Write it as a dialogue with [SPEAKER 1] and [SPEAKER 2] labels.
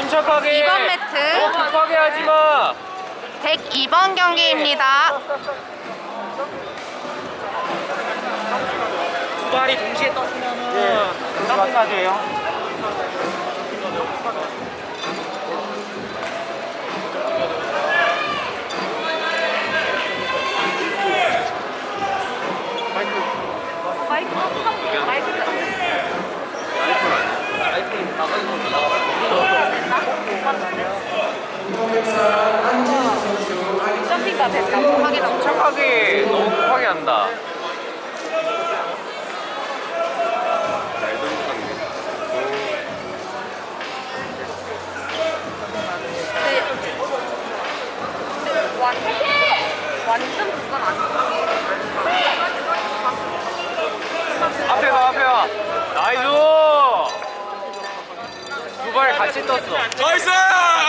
[SPEAKER 1] 침착하게.
[SPEAKER 2] 2번 매트.
[SPEAKER 1] 너무 급하게 하지 마.
[SPEAKER 2] 102번 경기입니다.
[SPEAKER 1] 두 발이 동시에 떴으면은 깜깜까지예요.
[SPEAKER 2] 점핑가 됐다고 확인하고.
[SPEAKER 1] 침착하게 너무 급하게 한다.
[SPEAKER 2] 완전 그건 아니고.
[SPEAKER 1] 앞에 봐, 앞에 봐. 나이스. 두 발 같이 떴어.
[SPEAKER 3] 나이스!